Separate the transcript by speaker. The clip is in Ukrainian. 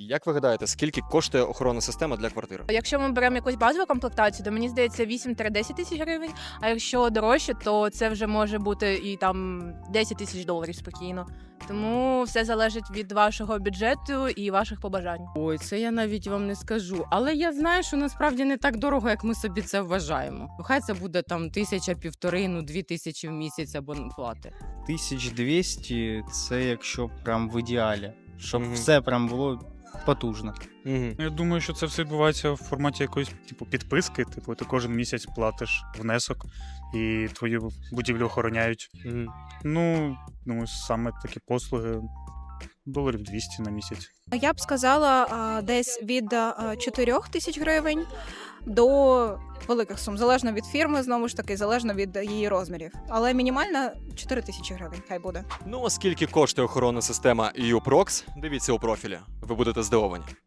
Speaker 1: Як ви гадаєте, скільки коштує охоронна система для квартири?
Speaker 2: Якщо ми беремо якусь базову комплектацію, то мені здається 8-10 тисяч гривень. А якщо дорожче, то це вже може бути і там 10 тисяч доларів спокійно. Тому все залежить від вашого бюджету і ваших побажань.
Speaker 3: Ой, це я навіть вам не скажу. Але я знаю, що насправді не так дорого, як ми собі це вважаємо. Хай це буде там 1000-1500, 2000 в місяць або плати.
Speaker 4: 1200 – це якщо прям в ідеалі. Щоб
Speaker 1: Мгм.
Speaker 4: все прям було потужно.
Speaker 1: Угу.
Speaker 5: Я думаю, що це все відбувається в форматі якоїсь підписки. Типу, ти кожен місяць платиш внесок і твою будівлю охороняють. Ну, думаю, саме такі послуги доларів 200 на місяць.
Speaker 6: Я б сказала десь від 4 тисяч гривень до великих сум, залежно від фірми, знову ж таки, залежно від її розмірів. Але мінімальна 4 тисячі гривень, хай буде.
Speaker 1: Ну, а скільки коштує охоронна система EU Prox, дивіться у профілі. Ви будете здивовані.